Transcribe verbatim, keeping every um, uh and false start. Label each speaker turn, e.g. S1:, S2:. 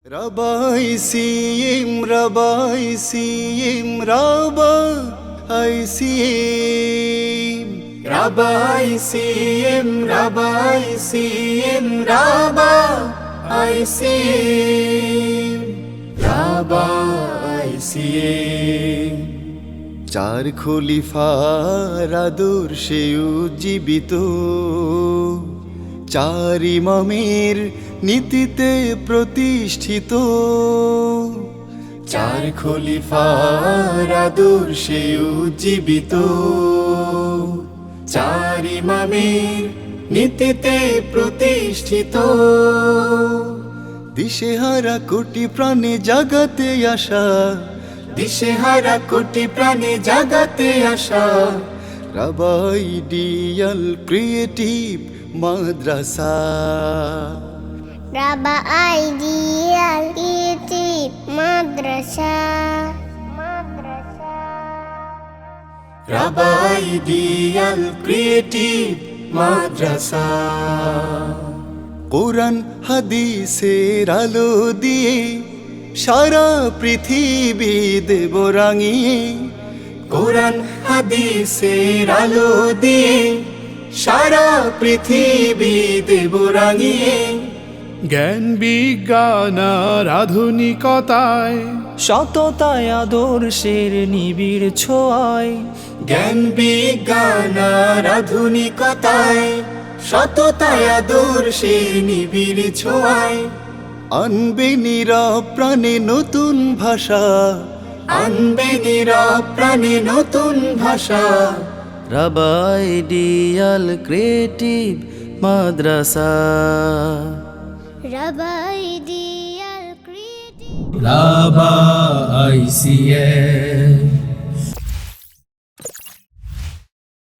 S1: Rabbi Siyim, Rabbi Siyim, Rabbi Siyim, Rabbi Siyim, Rabbi Siyim, Rabbi Siyim, Rabbi Siyim. চার খলিফার আদর্শে উজ্জীবিত, চার ইমামের নীতিতে প্রতিষ্ঠিত, চার খলিফার আদর্শে উজ্জীবিত, চার ইমামের নীতিতে প্রতিষ্ঠিত। দিশেহারা কোটি প্রাণে জাগাতে আসা, দিশেহারা কোটি প্রাণে জাগাতে আসা রাবাই ডিয়াল ক্রিয়েটিভ মাদ্রাসা,
S2: রাবাই ডিয়াল ক্রিয়েটিভ মাদ্রাসা, মাদ্রাসা
S1: রাবাই ডিয়াল ক্রিয়েটিভ মাদ্রাসা। কোরআন হাদিসের আলো দিয়ে সারা পৃথিবী দেব রাঙিয়ে, কোরআন হাদিসের আলো দিয়ে সারা পৃথিবী দেব রাঙিয়ে।
S3: জ্ঞান বিজ্ঞান আর আধুনিকতায়,
S4: সততায় আদর্শের নিবিড় ছোঁয়ায়,
S1: জ্ঞান বিজ্ঞান আর আধুনিকতায়, সততায় আদর্শের নিবিড় ছোঁয়ায় আনবে নীরব প্রাণে নতুন ভাষা, আনবে নীরব প্রাণে নতুন ভাষা।
S4: রাবাই ডিয়াল ক্রিয়েটিভ মাদ্রাসা,
S2: রাবাই ডিয়াল ক্রিয়েটিভ
S5: রাবাই সিএম।